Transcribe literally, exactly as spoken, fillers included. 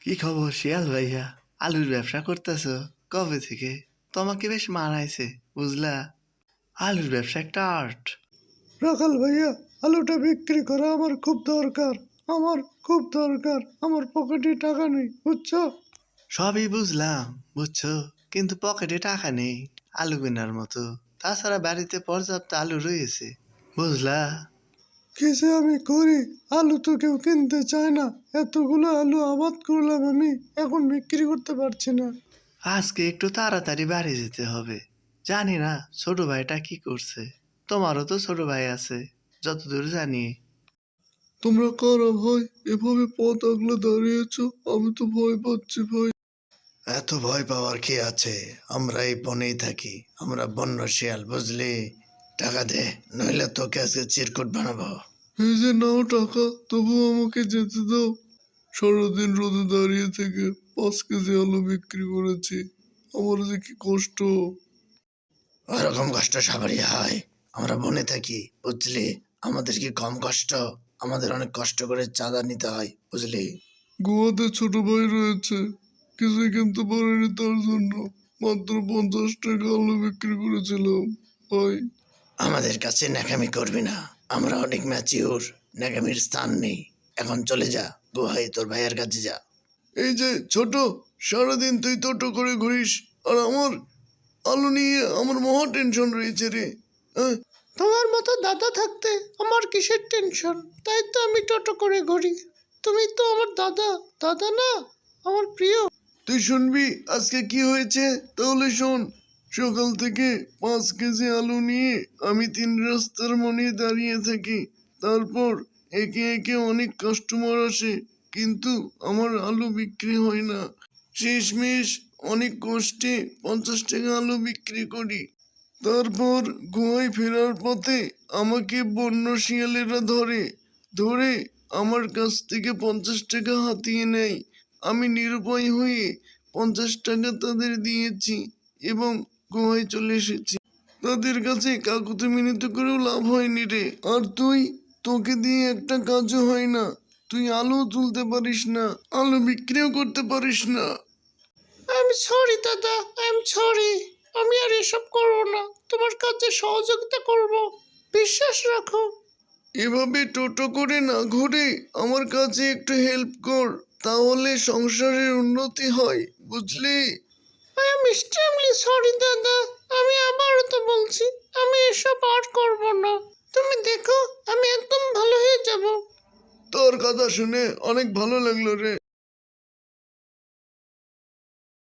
কি খবর শিয়াল ভাইয়া? আলুর ব্যবসা করতেছো কবে থেকে? তোমাকে বেশ মানাইছে বুঝলা। আলুর ব্যবসা একটা আর্ট। রাখাল ভাইয়া, আলুটা বিক্রি করা আমার খুব দরকার। আমার খুব দরকার। আমার পকেটে টাকা নেই, বুঝছো? সবই বুঝলাম, বুঝছো, কিন্তু পকেটে টাকা নেই আলু কেনার মতো। তাছাড়া বাড়িতে পর্যাপ্ত আলু রয়েছে, বুঝলা। কিসে আমি করি? আলু তো কেউ কিনতে চায় না। এতগুলো আলু আবাদ করলাম আমি, এখন বিক্রি করতে পারছি না। আজকে একটু তাড়াতাড়ি বাড়ি যেতে হবে। জানি না ছোট ভাইটা কি করছে। তোমারও তো ছোট ভাই আছে যতদূর জানি। তোমরা কারা ভাই? এভাবে পথ আগলে দাঁড়িয়েছো, আমি তো ভয় পাচ্ছি ভাই। এত ভয় পাওয়ার কি আছে? আমরা এই বনেই থাকি, আমরা বন্য শিয়াল, বুঝলি। টাকা দে, নইলে তোকে আজকে চিরকুট বানাবো। এই যে নাও টাকা, তবু আমাকে যেতে দাও। সারাদিন রোদে দাঁড়িয়ে থেকে পাঁচ কেজি আলু বিক্রি করেছি। আমার যে কি কষ্ট। ওরকম কষ্ট সবারই হয়, আমরা বনে থাকি, বুঝলি। আমাদের কি কম কষ্ট? আমাদের অনেক কষ্ট করে চাঁদা নিতে হয়, বুঝলি। গোয়াতে ছোট ভাই রয়েছে, কিছুই কিনতে পারিনি তার জন্য। মাত্র পঞ্চাশ টাকা আলু বিক্রি করেছিলাম ভাই। আমাদের কাছে ন্যাকামি করবি না, আমরা অনেক ম্যাচিওর, ন্যাকামির স্থান নেই। এখন চলে যা গুহায়, তোর ভাইয়ের কাছে যা। এই যে ছোট, সারাদিন তুই টোটো করে ঘুরিস, আর আমার আলু নিয়ে আমার মহা টেনশন রয়েছে রে। হ্যাঁ, তোমার মতো দাদা থাকতে আমার কিসের টেনশন? তাই তো আমি টোটো করে ঘুরি। তুমি তো আমার দাদা, দাদা না, আমার প্রিয়। তুই শুনবি আজকে কি হয়েছে? তাহলে শোন। সকাল থেকে পাঁচ কেজি আলু নিয়ে আমি তিন রাস্তার মনে দাঁড়িয়ে থাকি। তারপর একে একে অনেক কাস্টমার আসে, কিন্তু আমার আলু বিক্রি হয় না। শেষমেশ অনেক কষ্টে পঞ্চাশ টাকা আলু বিক্রি করি। তারপর গুহায় ফেরার পথে আমাকে বন্য শিয়ালেরা ধরে ধরে আমার কাছ থেকে পঞ্চাশ টাকা হাতিয়ে নেয়। আমি নিরুপায় হয়ে পঞ্চাশ টাকা তাদের দিয়েছি এবং গুহায় চলে এসেছি। তাদের কাছে কাকুতি মিনতি করেও লাভ হয়নি রে। আর তুই, তোকে দিয়ে একটা কাজও হয় না। তুই আলু তুলতে পারিস না, আলু বিক্রিও করতে পারিস না। আই এম সরি দাদা, আই এম সরি। আমি আর এসব করবো না, তোমার কাজে সহযোগিতা করব, বিশ্বাস রাখো। এভাবে টোটো করে না ঘুরে আমার কাছে একটু হেল্প কর, তাহলে সংসারের উন্নতি হয়, বুঝলি। আই এম এক্সট্রিমলি সরি দাদা, আমি আবারও তো বলছি আমি এসব আর করব না। তুমি দেখো আমি একদম ভালো হয়ে যাব। তোর কথা শুনে অনেক ভালো লাগলো রে।